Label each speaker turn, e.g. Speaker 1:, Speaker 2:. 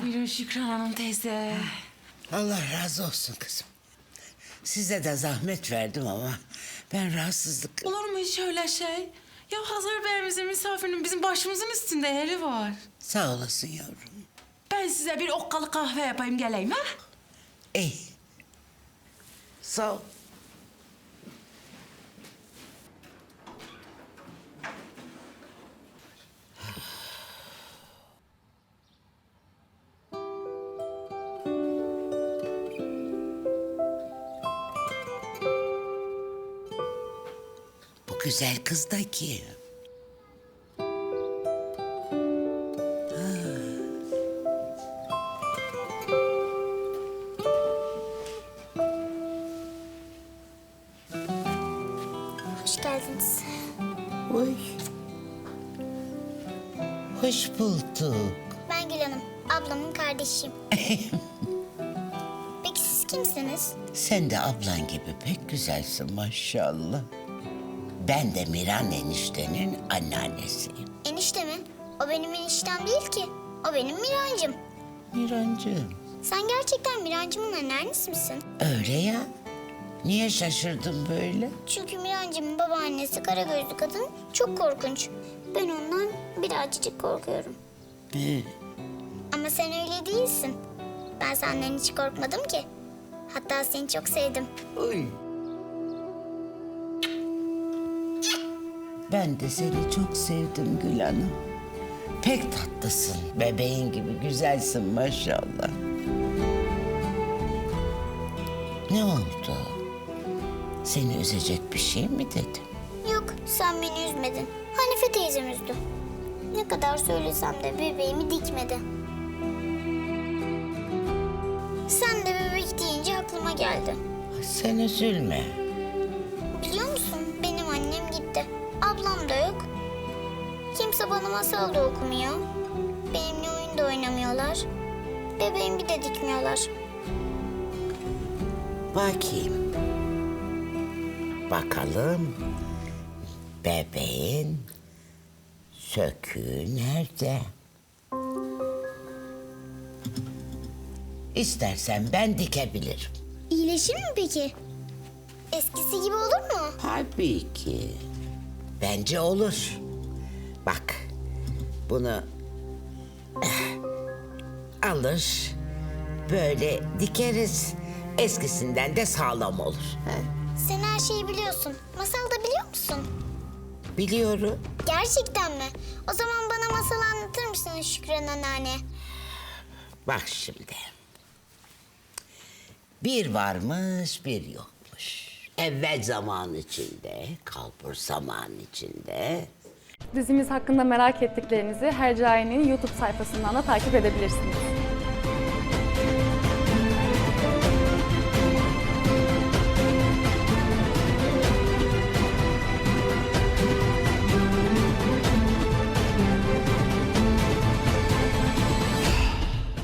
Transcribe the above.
Speaker 1: Buyurun Şükran Hanım teyze.
Speaker 2: Allah razı olsun kızım. Size de zahmet verdim ama ben rahatsızlık...
Speaker 1: Olur mu hiç öyle şey? Ya hazır Bey'imizin misafirinin bizim başımızın üstünde yeri var.
Speaker 2: Sağ olasın yavrum.
Speaker 1: Ben size bir okkalı kahve yapayım geleyim ha?
Speaker 2: İyi. Sağ ol. Bu güzel kız da kim?
Speaker 3: Hoş geldiniz.
Speaker 2: Uy. Hoş bulduk.
Speaker 3: Ben Gül Hanım, ablamın kardeşiyim. Peki siz kimsiniz?
Speaker 2: Sen de ablan gibi pek güzelsin maşallah. Ben de Miran eniştenin anneannesiyim.
Speaker 3: Enişte mi? O benim eniştem değil ki. O benim Mirancım.
Speaker 2: Mirancığım.
Speaker 3: Sen gerçekten Mirancımın anneannesi misin?
Speaker 2: Öyle ya. Niye şaşırdın böyle?
Speaker 3: Çünkü Mirancımın babaannesi kara gözlü kadın çok korkunç. Ben ondan birazcık korkuyorum. Ama sen öyle değilsin. Ben senden hiç korkmadım ki. Hatta seni çok sevdim.
Speaker 2: Uy. Ben de seni çok sevdim Gül Hanım. Pek tatlısın. Bebeğin gibi güzelsin maşallah. Ne oldu? Seni üzecek bir şey mi dedim?
Speaker 3: Yok, sen beni üzmedin. Hanife teyzem üzdü. Ne kadar söylesem de bebeğimi dikmedi. Sen de bebek deyince aklıma geldi.
Speaker 2: Sen üzülme.
Speaker 3: Biliyor musun, benim annem gitti. Ablam da yok. Kimse bana masal da okumuyor. Benimle oyun da oynamıyorlar. Bebeğimi de dikmiyorlar.
Speaker 2: Bakayım. Bakalım. Bebeğin söküğü nerede? İstersen ben dikebilirim.
Speaker 3: İyileşir mi peki? Eskisi gibi olur mu?
Speaker 2: Tabii ki. Bence olur. Bak, bunu alır, böyle dikeriz. Eskisinden de sağlam olur. Ha?
Speaker 3: Sen her şeyi biliyorsun. Masal da biliyor musun?
Speaker 2: Biliyorum.
Speaker 3: Gerçekten mi? O zaman bana masal anlatır mısın Şükran anneanne?
Speaker 2: Bak şimdi. Bir varmış, bir yokmuş. Evvel zaman içinde, kalbur zaman içinde.
Speaker 4: Dizimiz hakkında merak ettiklerinizi Hercai'nin YouTube sayfasından da takip edebilirsiniz.